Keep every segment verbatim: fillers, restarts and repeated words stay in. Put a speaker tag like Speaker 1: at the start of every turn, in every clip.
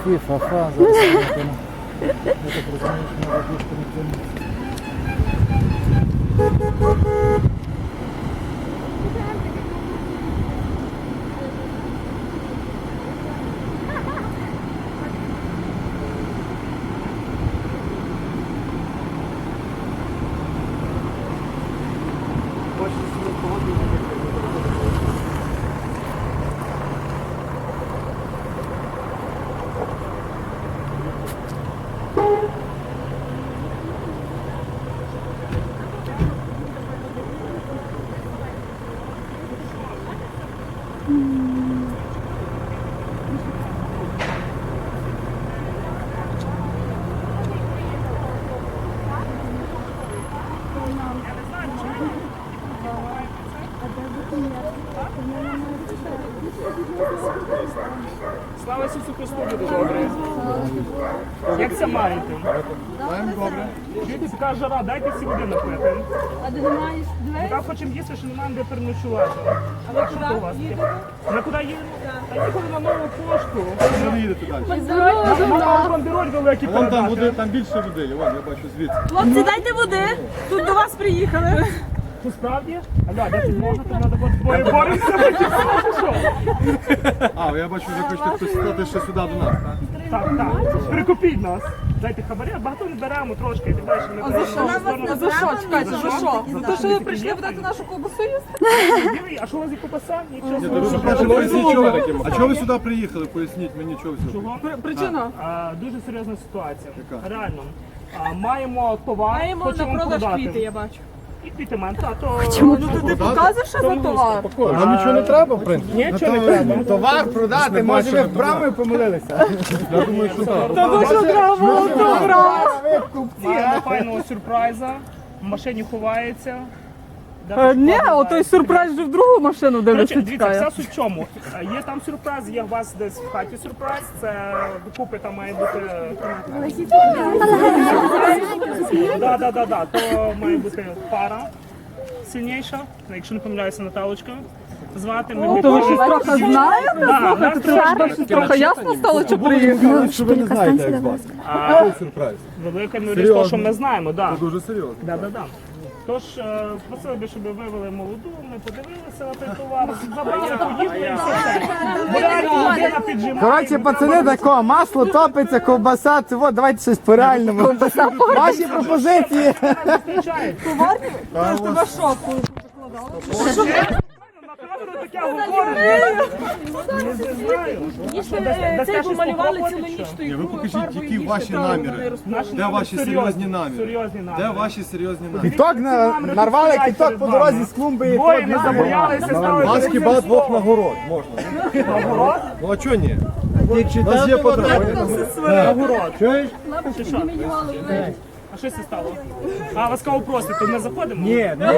Speaker 1: фі, фа-фа, зараз я так розумію, що може більше не тягнути.
Speaker 2: Слава Ісусу Христу, буде добре. Як це маєте?
Speaker 3: Маємо добре.
Speaker 2: Чуєте, така жара, дайте всі води напити.
Speaker 4: А де маєш двері?
Speaker 2: Так хочемо їсти, що немає де переночувати.
Speaker 4: А ви
Speaker 2: Що то у вас
Speaker 4: куди
Speaker 2: є?
Speaker 4: їдете?
Speaker 2: На куди їдемо? Та їхали на нову пошту.
Speaker 3: Що ви їдете далі?
Speaker 2: Нам бандероль великий
Speaker 3: Вон там води,
Speaker 2: передати.
Speaker 3: там більше води, вон, я бачу звідси.
Speaker 4: Хлопці, дайте води. Тут до вас приїхали.
Speaker 2: Що справді? Аля, де тут можна, тут треба бути двоє боремося. Що?
Speaker 3: А, я бачу, ви хочете хтось стати ще сюди до нас, так?
Speaker 2: Так, так. Прикупіть нас. Дайте хабаря, багато не беремо трошки, ти бачиш, ми
Speaker 4: А за що? А за що? Чекайте, за що? За те, що ви прийшли видати нашу ковбасу їсти?
Speaker 2: А що у вас є копаса? Нічого
Speaker 3: Я
Speaker 2: собі.
Speaker 3: дуже прошу, поясніть, чого. А чого ви сюди приїхали? Поясніть мені, чого ви сюди
Speaker 2: Чого?
Speaker 4: Причина?
Speaker 2: А, дуже серйозна ситуація.
Speaker 3: Яка?
Speaker 2: Реально. А, маємо товар,
Speaker 4: Маємо на
Speaker 2: хочемо
Speaker 4: продаж
Speaker 2: продати.
Speaker 4: квіти, я бачу.
Speaker 2: І квіти маємо. Та, то...
Speaker 4: Ну то ти показуєш, що за товар?
Speaker 3: Нам нічого не треба, в принципі.
Speaker 2: Нічого не треба.
Speaker 1: Товар продати, може ви вправо помилилися.
Speaker 3: Я думаю, що так.
Speaker 4: Та ви що треба було добре?
Speaker 2: Маємо файного сюрприза. В машині ховається. Де
Speaker 4: Е, Ні,
Speaker 2: покладається.
Speaker 4: отой сюрприз вже в другу машину
Speaker 2: Коротше,
Speaker 4: дивиться,
Speaker 2: дивіться,
Speaker 4: чекає.
Speaker 2: вся суть в чому. Е, Є там сюрприз, є у вас десь в хаті сюрприз. Це докупи там має бути. Да, да, да, да. То має бути пара сильніша, якщо не помиляюся, Наталочка. Звати ми
Speaker 4: То ви щось трохи знаєте?
Speaker 2: Да, нас
Speaker 4: Щось трохи ясно стало, чи приїхали?
Speaker 3: Що ви не знаєте, як вас. Який сюрприз?
Speaker 2: велика мірість того, що ми знаємо, да.
Speaker 3: Це дуже серйозно.
Speaker 2: Да, да, да. Тож е, просили би, щоб вивели молоду, ми подивилися на той товар, забрали, поїхали і все. Бо реально людина піджимає.
Speaker 1: Коротше, пацани, тако, масло топиться, ковбаса, це от, давайте щось по реальному. Ваші пропозиції.
Speaker 2: Зустрічають.
Speaker 4: Це ж тебе шоку.
Speaker 2: На камеру таке говорить. Не знаю. Що, дасте- дасте
Speaker 4: Це
Speaker 2: щось
Speaker 4: помалювали
Speaker 2: попробувати,
Speaker 4: цілу
Speaker 2: чи
Speaker 4: ніч
Speaker 2: що?
Speaker 4: тою
Speaker 3: Ні, ви
Speaker 4: ігрою,
Speaker 3: покажіть,
Speaker 4: фарбою,
Speaker 3: які
Speaker 4: і
Speaker 3: ваші
Speaker 4: читали,
Speaker 3: наміри.
Speaker 4: вони роз-
Speaker 2: Наші
Speaker 3: Де
Speaker 2: наміри
Speaker 3: ваші
Speaker 2: серйозні,
Speaker 3: серйозні наміри?
Speaker 2: Серйозні наміри.
Speaker 3: Де ваші серйозні наміри?
Speaker 1: Кіток на, нарвали кіток по дорозі з клумби. і
Speaker 2: Двоє
Speaker 1: то
Speaker 2: не
Speaker 1: два.
Speaker 2: забоялися, стали
Speaker 3: Вас
Speaker 2: перед
Speaker 3: хіба
Speaker 2: цим
Speaker 3: двох
Speaker 2: словом.
Speaker 3: нагород можна?
Speaker 2: Нагород?
Speaker 3: Ну а чого ні? У нас є потреба.
Speaker 2: Нагород.
Speaker 3: Чуєш?
Speaker 2: Чи що? А що це стало? А, вас кого просить, то ми заходимо?
Speaker 1: Ні, ні.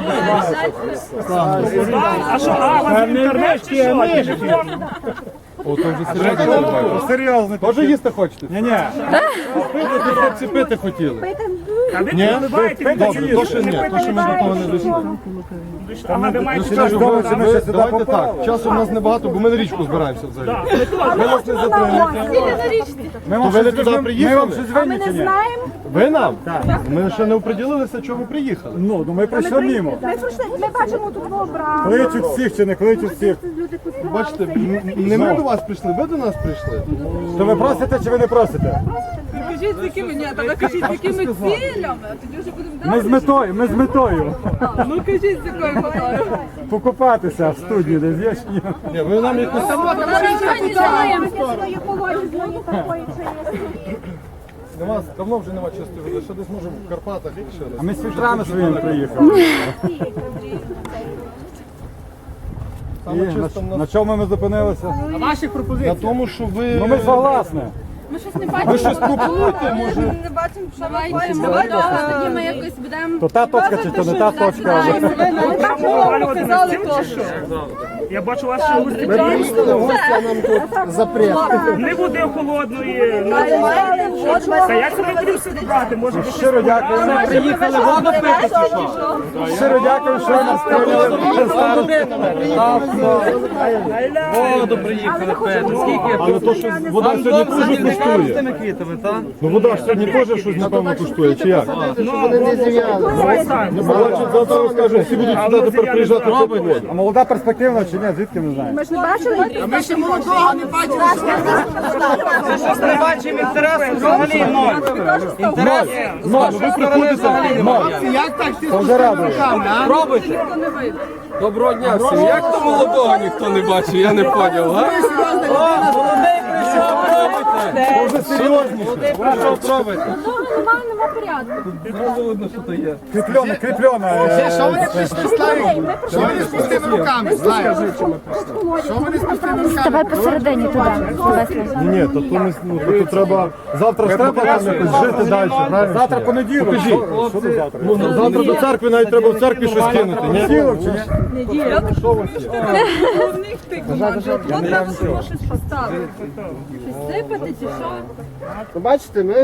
Speaker 2: А що, а, у вас інтернет чи що? Телефон?
Speaker 3: О, то вже серйозно.
Speaker 1: Серйозно.
Speaker 3: Тоже їсти хочете?
Speaker 1: Ні, ні.
Speaker 3: Пити, ти хлопці пити хотіли.
Speaker 2: А ви
Speaker 3: Ні?
Speaker 2: не вливаєте, ви
Speaker 3: Добре,
Speaker 2: не
Speaker 3: то що ні, то що ми до того не дійшли.
Speaker 2: Ага, ви маєте
Speaker 3: Сережа,
Speaker 2: час
Speaker 3: ви-
Speaker 2: вдома,
Speaker 3: ви-
Speaker 2: да?
Speaker 3: давайте так, часу в нас небагато, бо ми на річку збираємося взагалі.
Speaker 2: Так, ми теж.
Speaker 3: Ви нас не затримуєте.
Speaker 1: Ми
Speaker 3: То ви не туди
Speaker 1: Ми вам
Speaker 3: приїхали?
Speaker 1: щось винні чи ні?
Speaker 3: Ви нам? Ми ще не оприділилися, чого ви приїхали.
Speaker 1: Ну, ну ми прийшли мимо.
Speaker 5: Ми пройшли, ми бачимо тут образ.
Speaker 1: Кличуть всіх чи не кличуть всіх.
Speaker 5: Люди тут
Speaker 3: Бачите, м- не ми до вас прийшли, ви до нас прийшли.
Speaker 1: То ви просите чи ви не просите?
Speaker 4: Кажіть, з якими, ні, та ви кажіть, з якими цілями, а тоді вже будемо
Speaker 1: Ми
Speaker 4: далі.
Speaker 1: з метою, ми з метою.
Speaker 4: Ну кажіть, з якою метою.
Speaker 1: Покупатися в студії, де є. чи ні?
Speaker 3: Ні, ви нам якось
Speaker 5: свої погоді знову такої, що є.
Speaker 3: нема, давно вже нема чистої води. Ще десь може в Карпатах ще
Speaker 1: А
Speaker 3: раз.
Speaker 1: ми з фільтрами своїми приїхали.
Speaker 3: Саме
Speaker 1: І
Speaker 3: чисто в
Speaker 1: на,
Speaker 3: нас
Speaker 1: на чому ми зупинилися?
Speaker 3: на тому, що ви.
Speaker 1: Ну ми согласні.
Speaker 5: Ми щось не бачимо.
Speaker 3: Ви щось пропонуєте, може?
Speaker 4: Не бачимо, що ми маємо.
Speaker 5: Давай, тоді ми якось будемо.
Speaker 1: То та точка чи то не та точка.
Speaker 4: Ви нам показали
Speaker 2: Галю,
Speaker 4: теж.
Speaker 2: чи що? Я бачу ваші гості.
Speaker 1: Ми приїхали в гості, а нам тут запрет.
Speaker 2: Не води холодної. Та як це ми будемо всі добрати? Може, ви
Speaker 1: Щиро дякую. Ми приїхали воду пити, чи що? Щиро дякую, що ви нас прийняли.
Speaker 6: Воду приїхали пити. Скільки?
Speaker 3: Але то, що вода сьогодні теж коштує.
Speaker 6: Тими квітами, так?
Speaker 3: Ну вода ж сьогодні теж щось, напевно, коштує, чи як?
Speaker 1: Вони не зів'яли.
Speaker 3: Ну, бачить, завтра розкажу, всі будуть сюди тепер приїжджати пити воду.
Speaker 1: А молода перспективна чи ні? Звідки ми знаємо?
Speaker 5: Ми ж не бачили.
Speaker 1: А ми ще молодого не бачили.
Speaker 6: Ми щось не бачимо інтересу взагалі ноль. Інтерес з вашої сторони взагалі немає.
Speaker 1: Як так ти вже радуєш?
Speaker 6: Пробуйте. Доброго дня всім. Як то молодого ніхто не бачив, я не поняв, а? О, молодий прийшов, пробуйте.
Speaker 3: Вже серйозніше.
Speaker 6: Молодий прийшов, пробуйте.
Speaker 5: Ну, нема, нема порядку.
Speaker 6: Відразу видно, що то є.
Speaker 3: Кріпльона, кріпльона.
Speaker 1: Що вони прийшли, Славік? Що вони з пустими руками? Славік? Що вони з пустими руками?
Speaker 5: Давай посередині туди.
Speaker 3: Ні, ні, то, то, не, ну, то, то треба, завтра ж треба там якось жити далі, правильно? Завтра понеділок. Покажіть. Що це завтра? Ну, завтра до церкви навіть треба в церкві щось кинути, ні? Що у вас є?
Speaker 4: У них ти команда. От треба було щось поставити. Щось сипати чи що?
Speaker 1: Ну, бачите, ми...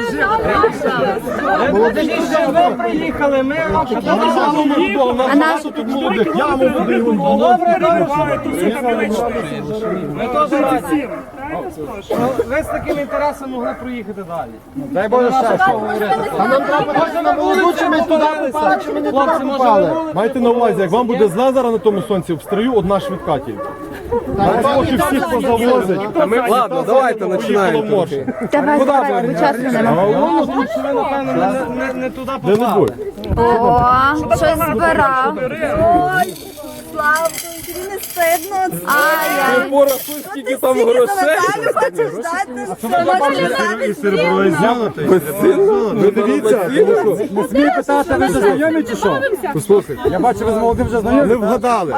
Speaker 6: Ви приїхали, ми
Speaker 3: У нас тут молодих, яму води.
Speaker 6: добре
Speaker 2: бувають тут всі кабінечні?
Speaker 6: Ми теж раді.
Speaker 2: Всім. Правильно спрошу?
Speaker 6: Ви з таким інтересом могли проїхати далі.
Speaker 3: Дай Боже ще що.
Speaker 1: А нам треба бачити на молоду, чи ми туди попали, чи ми не туди
Speaker 6: Хлопці, може ви
Speaker 1: попали.
Speaker 6: були?
Speaker 3: Майте на увазі, як вам буде зле зараз на тому сонці, обстрою одна швидка тільки. Зараз поки всіх позавозить.
Speaker 6: Ладно, давайте починаємо.
Speaker 5: Давай, давай, бо часу нема.
Speaker 3: Ну,
Speaker 6: Тут що ви, напевно, не, не, не туди
Speaker 3: де не
Speaker 6: попали.
Speaker 3: будь.
Speaker 5: О, щось збирав.
Speaker 7: Славко, тобі не стидно.
Speaker 5: Ай,
Speaker 6: Порахуй, скільки там грошей.
Speaker 7: Хочеш дати?
Speaker 3: Ви дивіться, тому що
Speaker 1: Не смій питати, ви вже знайомі чи що?
Speaker 3: послухайте,
Speaker 1: Я бачу, ви з молодим вже знайомі.
Speaker 3: не вгадали.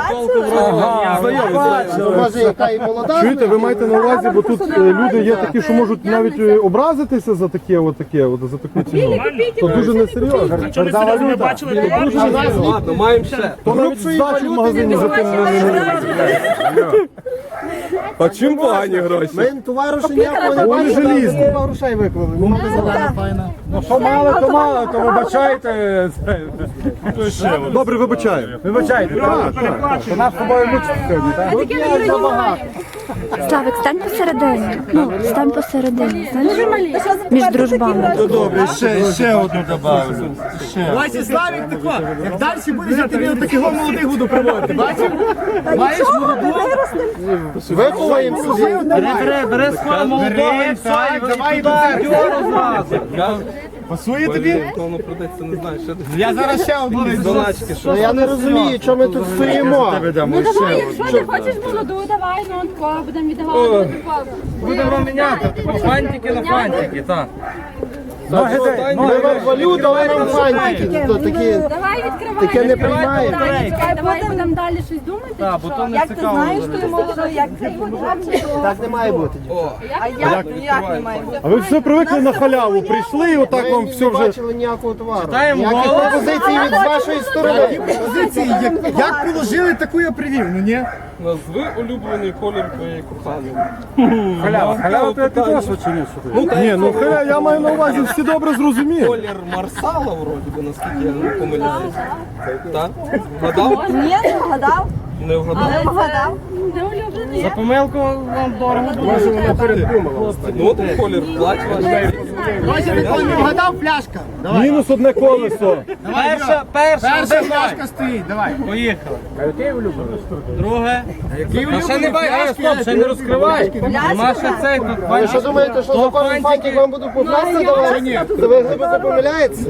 Speaker 1: Може, яка і молода?
Speaker 3: Чуєте, ви маєте на увазі, бо тут е, люди є такі, що можуть навіть е, образитися за таке, от таке, от, за таку ціну. То дуже несерйозно.
Speaker 2: Що не серйозно, ми бачили товар?
Speaker 6: Ладно, маємо ще.
Speaker 3: То навіть здачу в магазині за тим не не
Speaker 6: А чим погані гроші?
Speaker 1: Ми товару ще ніякого не
Speaker 3: Вони
Speaker 1: бачили,
Speaker 3: желізні.
Speaker 1: але купа грошей виклали. Ну,
Speaker 3: Ну що мало, то мало, то вибачайте. Добре, вибачаю.
Speaker 1: вибачайте, так, так. То нас з тобою мучить сьогодні, так?
Speaker 5: Славик, стань посередині. Ну, стань посередині. Знаєш, між дружбами.
Speaker 3: Добре, ще, ще одну добавлю.
Speaker 1: Вася, Славік, тако, як далі будеш, я тобі отаких молодих буду приводити, бачиш? Маєш молоду? Виховуємо собі.
Speaker 6: Бери, бери свого молодого і все, і
Speaker 1: давай
Speaker 6: туди
Speaker 1: до церкви.
Speaker 6: дьору зразу.
Speaker 1: Пасує тобі?
Speaker 6: Воно продається, не знаю, що ти.
Speaker 1: Я зараз ще одну візьму.
Speaker 6: Доначки, що?
Speaker 1: Ну, я не розумію, чому ми тут стоїмо.
Speaker 5: Ну давай, якщо ти хочеш молоду, давай, ну тако, будемо віддавати.
Speaker 6: Будемо міняти. Типу фантики на фантики, так.
Speaker 1: Ми вам валюту, а ви нам фантики. То такі,
Speaker 5: Давай відкривай.
Speaker 1: таке не приймає.
Speaker 5: Давай, давай будемо далі щось думати.
Speaker 6: Так, бо то не
Speaker 7: Як ти
Speaker 6: цікаво.
Speaker 7: знаєш, що ти молодо, як це буде?
Speaker 1: Так не має бути.
Speaker 7: А як, як не має бути?
Speaker 3: А ви все привикли на халяву, прийшли і отак вам
Speaker 1: Ми
Speaker 3: все
Speaker 1: не
Speaker 3: вже...
Speaker 1: бачили ніякого товару.
Speaker 6: Читаємо
Speaker 1: Ніяких
Speaker 6: голос.
Speaker 1: пропозицій від вашої сторони. Пропозиції, як, як положили, таку я привів, ну ні?
Speaker 6: Назви улюблений колір твоєї коханої.
Speaker 1: Халява, халява, ти також чи ні?
Speaker 3: Ні, ну халя, я маю на увазі, всі добре зрозуміли.
Speaker 6: Колір Марсала, вроді би, наскільки я не помиляюся. Так? Вгадав?
Speaker 7: Ні, не вгадав.
Speaker 6: Не вгадав?
Speaker 7: Не вгадав.
Speaker 5: Не улюблений.
Speaker 6: За помилку вам дорого буде.
Speaker 1: Може, вона передумала.
Speaker 6: Ну, от колір плач ваш.
Speaker 1: Вася, ти не вгадав, пляшка.
Speaker 3: Мінус одне колесо.
Speaker 6: Перша, перша,
Speaker 1: Перша
Speaker 6: один
Speaker 1: пляшка стоїть, давай.
Speaker 6: Поїхали. Друге. Та ще не бай, ей, стоп, ще не розкривай. Нема ще цей тут.
Speaker 1: Ви що думаєте, що за кожен фантик вам буду попасти давати? То ви глибоко помиляєтеся?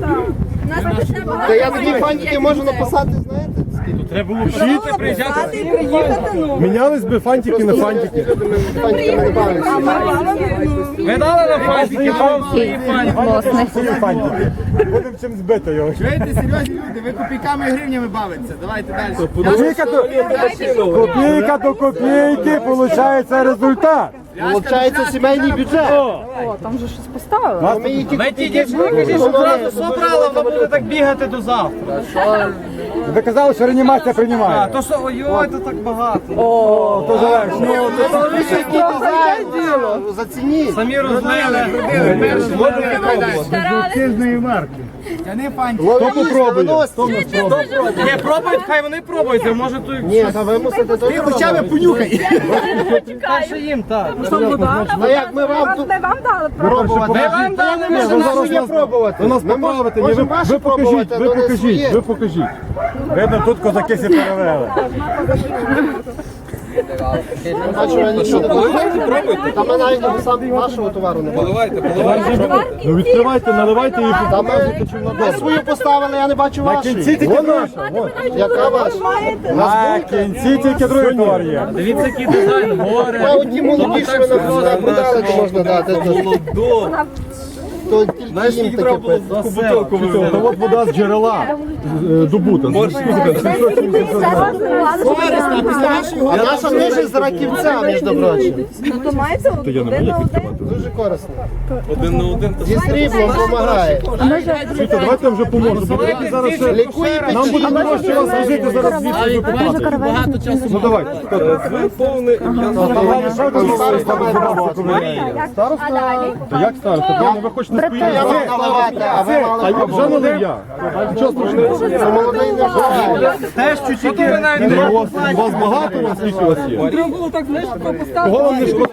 Speaker 1: Та я такі фантики можу написати, знаєте?
Speaker 6: Треба було вчити, приїжджати.
Speaker 7: І приїхати, ну.
Speaker 3: Мінялись би фантики на фантики.
Speaker 1: Фантиками не бавимося.
Speaker 6: Ви дали на фантики, вам свої фантики.
Speaker 5: Власне.
Speaker 3: Будемо чим збити його.
Speaker 1: Чуєте, серйозні люди, ви копійками і гривнями бавитеся. Давайте далі.
Speaker 3: Копійка до, копійка до копійки, виходить результат.
Speaker 1: Получається сімейний бюджет.
Speaker 4: О, там же щось поставили.
Speaker 1: Ми її тільки
Speaker 6: Ви ті дівчинки кажіть, щоб зразу собрала, вона буде так бігати до завтра.
Speaker 3: Ви казали, що реанімація приймає.
Speaker 6: То що, ой-ой, то так багато.
Speaker 3: О, то легше. Ну, то
Speaker 1: Зацініть.
Speaker 6: Самі розлили.
Speaker 3: хто попробує?
Speaker 6: Не пробують, хай вони пробують, а може то
Speaker 1: Ні, та ви мусите то. Ти хоча б понюхай.
Speaker 6: перше їм, так.
Speaker 1: Ну як ми вам тут
Speaker 7: Ми вам дали
Speaker 1: пробувати?
Speaker 6: Ми вам дали,
Speaker 1: Ми
Speaker 6: ми
Speaker 1: ж
Speaker 6: ж
Speaker 1: нас є пробувати.
Speaker 3: Ви нас
Speaker 1: Ми мож-
Speaker 3: поправите, ні, ви,
Speaker 1: можемо ваші
Speaker 3: ви покажіть,
Speaker 1: пробувати,
Speaker 3: ви
Speaker 1: але не
Speaker 3: покажіть,
Speaker 1: своє.
Speaker 3: ви покажіть. Видно, тут козаки всі перевели.
Speaker 1: Бачу, я нічого не буду. Та ми навіть сам вашого товару не бачимо.
Speaker 6: Поливайте, поливайте.
Speaker 3: Ну відкривайте, наливайте і
Speaker 1: Та ми,
Speaker 3: показуйте, чим
Speaker 1: ми
Speaker 3: надо.
Speaker 1: свою поставили, я не бачу
Speaker 3: На кінці
Speaker 1: вашої.
Speaker 3: тільки наша. вон.
Speaker 1: Яка ваша?
Speaker 3: На кінці тільки другий товар є.
Speaker 6: Дивіться, який дизайн, горе.
Speaker 1: А от ті молоді, що ви нам продали, продали, то можна дати.
Speaker 6: Молодо.
Speaker 1: То тільки їм таке пити.
Speaker 6: Бутилку
Speaker 3: Та от вода з джерела е, добута.
Speaker 1: А наша дуже з раківця, між прочим.
Speaker 7: Ну то мається один на один.
Speaker 1: Дуже корисно.
Speaker 6: Один на один.
Speaker 1: Зі сріблом допомагає.
Speaker 3: Світа, давайте я вже поможу. Бо давайте зараз ще...
Speaker 1: Лікує
Speaker 3: Нам буде
Speaker 1: печінку.
Speaker 3: дорожче вас возити зараз звідси ви поправите. Ну давайте.
Speaker 6: Ви повний.
Speaker 3: Та як староста? Ви хочете
Speaker 1: Я мав наливати, а ви мали
Speaker 3: А я вже
Speaker 1: пробувати.
Speaker 3: налив я. Нічого страшного.
Speaker 1: Це молодий не знає.
Speaker 6: Теж чуть-чуть. Ви навіть
Speaker 3: Ну, У вас, у вас багато, у вас скільки у вас є?
Speaker 4: Треба було так близько поставити.
Speaker 3: Кого вам не шкода?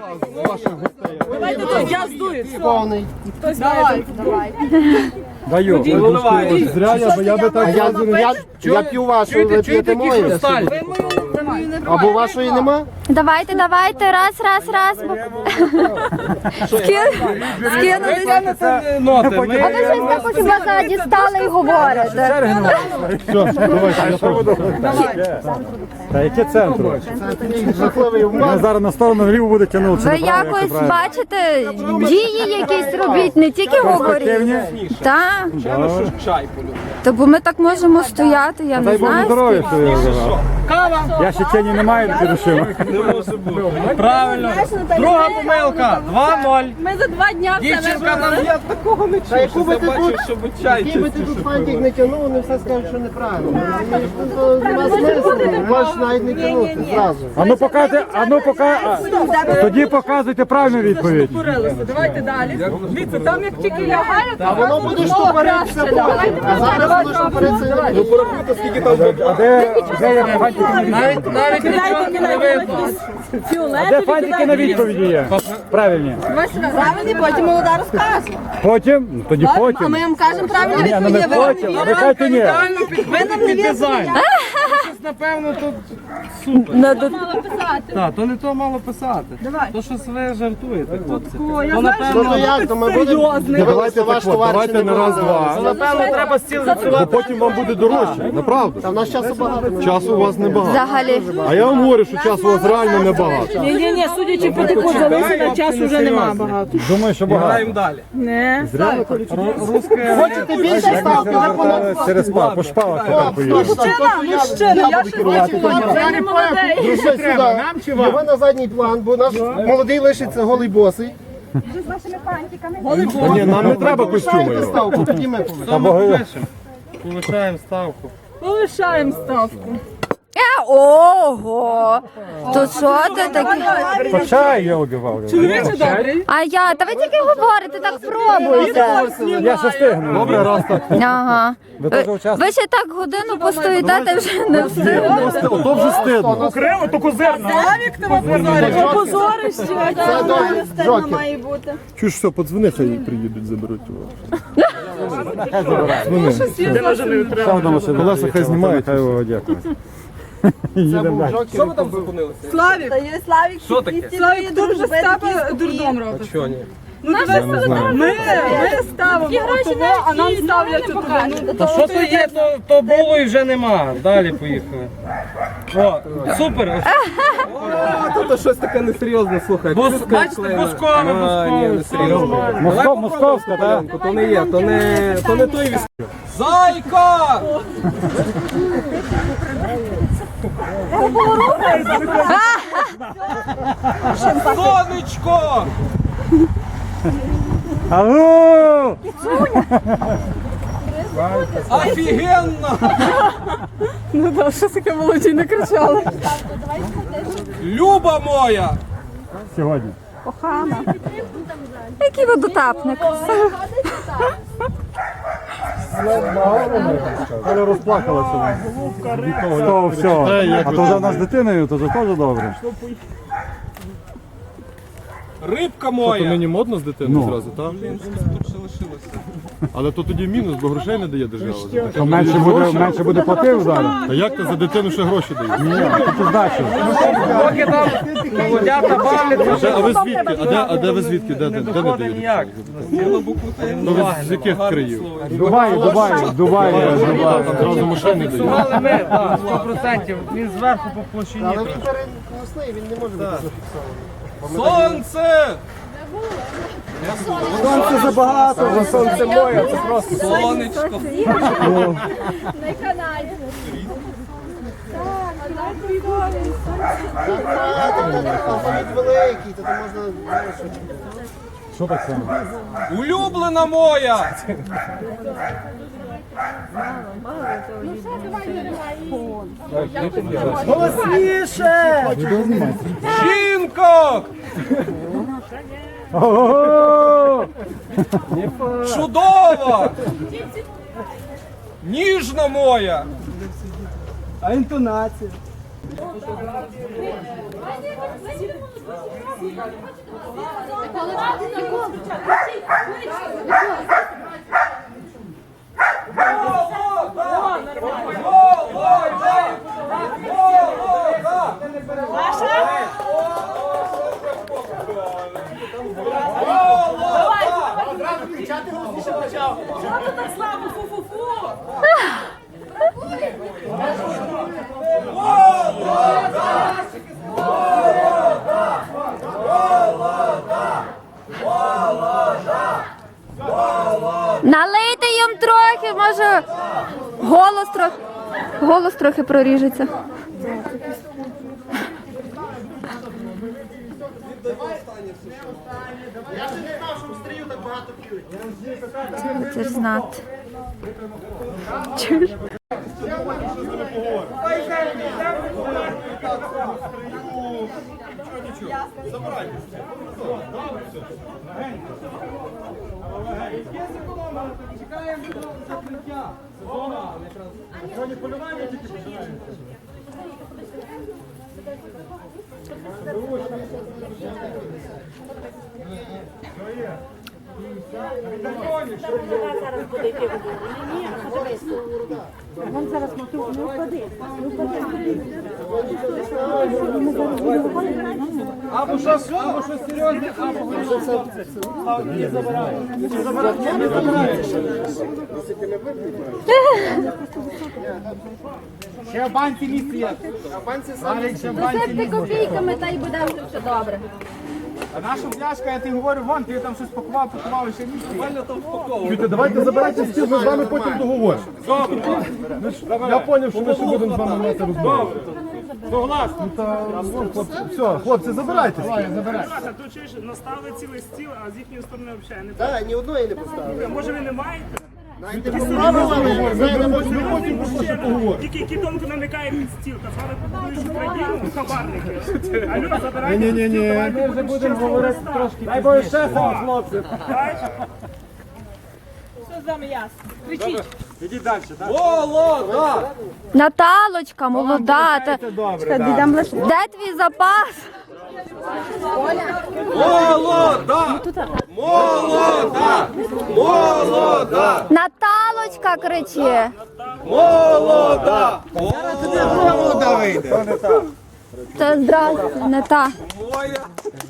Speaker 4: Я здую.
Speaker 1: Повний.
Speaker 7: Давай, давай.
Speaker 3: Даю. Ой, Зря я, бо я би так...
Speaker 1: Я, я, я п'ю вашу, ви п'єте мою. Або вашої нема?
Speaker 5: Давайте, давайте, раз, раз, раз. бо- Скин- Скинутися.
Speaker 6: ноти.
Speaker 5: А ви щось так хіба зараз дістали і говорите.
Speaker 3: Все, давайте, я пробую. Та яке центру?
Speaker 1: Жахливий
Speaker 3: Мене
Speaker 1: умар.
Speaker 3: зараз на сторону вліво буде тягнутися.
Speaker 5: Ви якось бачите, дії якісь робіть, не тільки говоріть. Так,
Speaker 6: Чай полюбив.
Speaker 5: то бо ми так можемо стояти, я не
Speaker 3: Дай Боже
Speaker 5: знаю.
Speaker 3: здоров'я, що я вибрав. Я ще тіні не маю до душі.
Speaker 6: Правильно. Друга помилка. два ноль.
Speaker 7: Ми за два дня все
Speaker 6: Дівчинка нам я такого не
Speaker 1: Та яку
Speaker 6: чую.
Speaker 1: би ти
Speaker 6: Забачив,
Speaker 1: тут-
Speaker 6: щоб чай
Speaker 1: Який би ти
Speaker 6: чистіше
Speaker 1: тут
Speaker 6: було.
Speaker 1: фантик не тягнув, вони все скажуть, що неправильно. Розумієш, ну, то нема смислу, можеш навіть не тягнути зразу.
Speaker 3: А ну покажете, а ну пока... Тоді показуйте правильну відповідь.
Speaker 4: Давайте далі. Дивіться, там як тільки лягає,
Speaker 1: А воно буде штопоритися потім. А зараз воно штопориться.
Speaker 6: Ну порахуйте, скільки там буде.
Speaker 3: А де, де є фантики на відповіді?
Speaker 6: Навіть навіть нічого не видно.
Speaker 3: А де фантики на відповіді є? Правильні.
Speaker 7: Правильні, потім молода розкаже.
Speaker 3: Потім? Ну, тоді
Speaker 7: А
Speaker 3: потім.
Speaker 7: ми вам кажемо правильні
Speaker 3: Ні, ну не
Speaker 7: відповіді. Ви
Speaker 3: потім. Ви кажете ні.
Speaker 7: ви нам не вірите.
Speaker 6: Щось, напевно, тут супер.
Speaker 5: Надо-
Speaker 6: Так, то не то мало писати. То щось ви жартуєте, хлопці.
Speaker 7: О, я
Speaker 6: То
Speaker 7: знаю,
Speaker 1: Ну то
Speaker 6: напевно,
Speaker 1: як, то ми будемо...
Speaker 3: Давайте
Speaker 1: ваш
Speaker 3: так от,
Speaker 1: товар
Speaker 3: давайте
Speaker 1: чи
Speaker 3: на раз, два.
Speaker 6: напевно, треба стіл
Speaker 3: Бо
Speaker 6: відсувати.
Speaker 3: потім вам буде дорожче. Направду.
Speaker 1: Та в нас часу багато.
Speaker 3: Часу у вас небагато.
Speaker 5: Взагалі.
Speaker 3: А я вам говорю, що часу у вас реально небагато.
Speaker 4: ні, ні, ні, судячи по таку залишення, часу вже немає багато.
Speaker 3: Думаю, що
Speaker 6: Граємо
Speaker 3: багато.
Speaker 6: далі.
Speaker 4: Не.
Speaker 6: Русське.
Speaker 1: Хочете більше ставки? Ви по-
Speaker 3: Через спа, по шпалах тепер поїду.
Speaker 7: Мужчина, мужчина, я ще
Speaker 4: Я не молодий.
Speaker 1: Друзі, сюди. Його на задній план, бо наш молодий лишиться голий босий.
Speaker 3: Та ні, нам не треба костюми.
Speaker 1: Ставте ставку, тоді ми повинні.
Speaker 3: Або
Speaker 6: Повишаємо ставку.
Speaker 4: Полишаємо ставку.
Speaker 5: Е, Ого! То що ти таке?
Speaker 3: по чаю я убивав.
Speaker 4: Чоловіче добрий.
Speaker 5: А я, та ви тільки говорите, так пробуйте.
Speaker 3: Я ще стигну. Добре, раз так.
Speaker 5: Ага.
Speaker 3: Ви теж
Speaker 5: Ви,
Speaker 3: учасники?
Speaker 5: ви ще так годину постоїте, ти вже не встигли.
Speaker 3: Ото вже стидно.
Speaker 2: Криво, то козирно.
Speaker 4: Славік тебе позорить. Позорище.
Speaker 1: Це добре, Джокер.
Speaker 7: має бути.
Speaker 3: Чуєш, все, подзвони, хай приїдуть, заберуть його. Дзвони. Ще одна машина. Колеса хай знімають, хай його дякую. Їдемо далі.
Speaker 6: Що ви там зупинилися?
Speaker 4: Славік.
Speaker 7: Та є Славік,
Speaker 6: Що таке?
Speaker 7: Славік
Speaker 4: Дуже стапа дурдом робить.
Speaker 6: Що ні?
Speaker 4: Ну,
Speaker 3: Я не знаю.
Speaker 4: Ми, ми ставимо отого, а нам ставлять туди. Ну,
Speaker 6: Та що то є, то, то було і вже нема. Далі поїхали. О, супер. Тут щось таке несерйозне, слухай. Бачите, бускове, бускове. Ні, несерйозно.
Speaker 3: Москов, московська, так?
Speaker 6: То не є, то не, то не той віз. Зайка! Сонечко!
Speaker 3: Алло!
Speaker 6: Офігенно!
Speaker 4: Ну так, що таке молоді не кричали.
Speaker 6: Люба моя!
Speaker 3: Сьогодні.
Speaker 4: Кохана.
Speaker 5: Який водотапник.
Speaker 3: Але розплакалася. То все. А то вже в нас з дитиною, то вже теж добре.
Speaker 6: Рибка
Speaker 3: То
Speaker 6: моя!
Speaker 3: нині модно з дитиною зразу, так? Але то тоді мінус, бо грошей не дає держава.
Speaker 8: То менше буде, менше буде платив зараз.
Speaker 3: Та як ти за дитину ще гроші дають?
Speaker 8: Ні, тільки здачу.
Speaker 6: Поки там молодята бавляться,
Speaker 3: А де- А ви звідки? А де, а де ви звідки? Де, де, де не
Speaker 6: доходить
Speaker 3: дають?
Speaker 6: ніяк.
Speaker 3: Ну ви з яких країв?
Speaker 8: Дубай, Дубай, Дубай, Дубай.
Speaker 3: Там зразу машини дають.
Speaker 6: Але ми, так, сто відсотків. Він зверху по площині.
Speaker 1: Але він переносний, він не може бути зафіксований.
Speaker 6: Сонце!
Speaker 1: Сонце забагато, вже сонце моє, це просто.
Speaker 6: Сонечко!
Speaker 4: На каналі.
Speaker 1: Алфавіт великий, то там можна...
Speaker 3: Що так само?
Speaker 6: Улюблена моя!
Speaker 1: Голосніше!
Speaker 6: Жінко!
Speaker 8: Ого!
Speaker 6: Чудова! Ніжна моя!
Speaker 1: А інтонація?
Speaker 5: Налийте їм трохи, може голос трохи, голос трохи проріжеться. Це ж знати. Чуєш?
Speaker 6: Або щось, або щось серйозне, або
Speaker 1: Ще в банці місце є. А в банці самі. Ще в банці
Speaker 4: Посипте копійками, та й буде вже все добре.
Speaker 1: А наша пляшка, я тобі говорю, вон, ти там щось пакував, пакував, і ще місце є.
Speaker 3: Чуйте, давайте забирайте стіл, ми з вами потім договоримо. Ми ж- Я зрозумів, що ми ще будемо з вами мати розмову.
Speaker 1: Согласен.
Speaker 3: Та, вон, хлопці, все, хлопці, забирайте.
Speaker 2: А тут чуєш, наставили цілий стіл, а з їхньої сторони взагалі не так.
Speaker 1: Так, ні одної не поставили.
Speaker 2: Може ви не маєте?
Speaker 1: Знаєте, поставили, але знаєте,
Speaker 2: Тільки кітонку намикає під стіл, та з вами побудуєш Україну, хабарники. Алло, забирайте.
Speaker 3: Ні-ні-ні.
Speaker 2: Ми вже будемо говорити трошки.
Speaker 1: дай Боже ще сам, хлопці.
Speaker 7: Все з вами ясно. Кричіть.
Speaker 6: молода!
Speaker 5: Наталочка, молода. Та... Де твій запас?
Speaker 6: Молода! Молода! Молода!
Speaker 5: Наталочка кричи.
Speaker 6: Молода!
Speaker 5: Це здрасте, не та.
Speaker 6: Моя!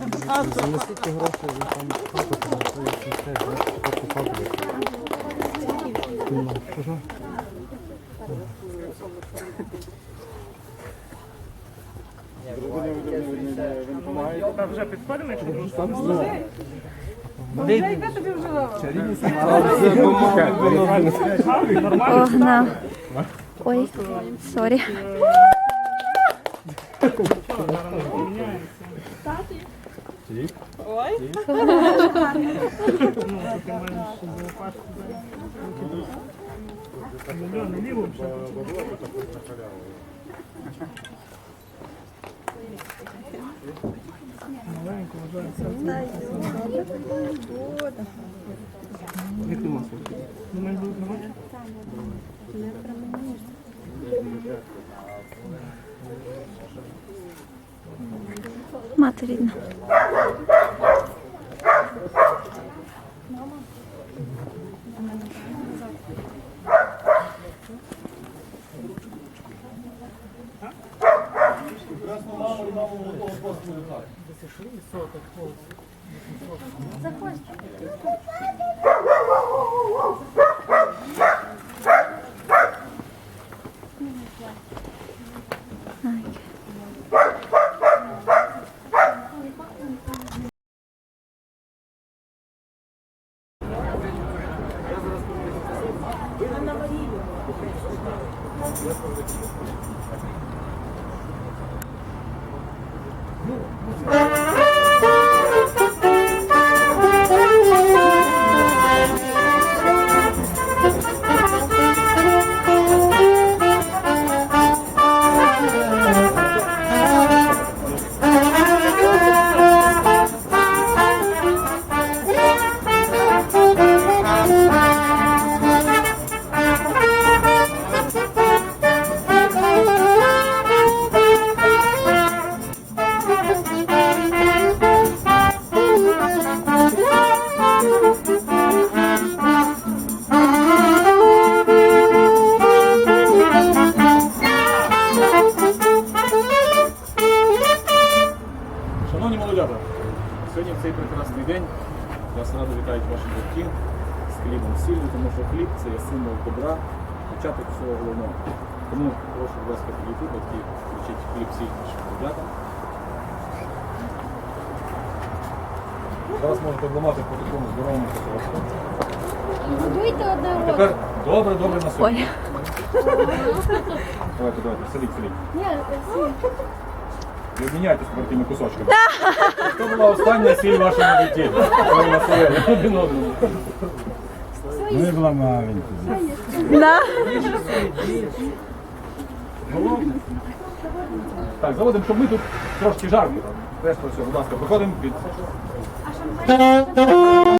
Speaker 2: Та вже підходимо, якщо дружка.
Speaker 5: Огна. Ой, сорі.
Speaker 2: Мільйон ліву вже. Маленько вважається. Думаєш, будуть нормально?
Speaker 5: Мати рідна.
Speaker 9: Шановні молодята, сьогодні в цей прекрасний день вас радо вітають ваші батьки з хлібом сіллю, тому що хліб це є символ добра, початок всього головного. Тому прошу, будь ласка, підійти, батьки, включіть хліб сіль нашим молодятам. Зараз можете обламати по такому здоровому кусочку.
Speaker 4: Будуйте одне
Speaker 9: А тепер добре, добре на собі.
Speaker 5: Ой.
Speaker 9: Давайте, давайте, селіть, селіть. Ви обміняйтесь тими кусочками. Це була остання сіль в вашому житті. Ви насолили один одному.
Speaker 8: Ми вламаємо.
Speaker 5: Да.
Speaker 9: Так, заводимо, щоб ми тут трошки жарко. Решта все, будь ласка, проходимо під...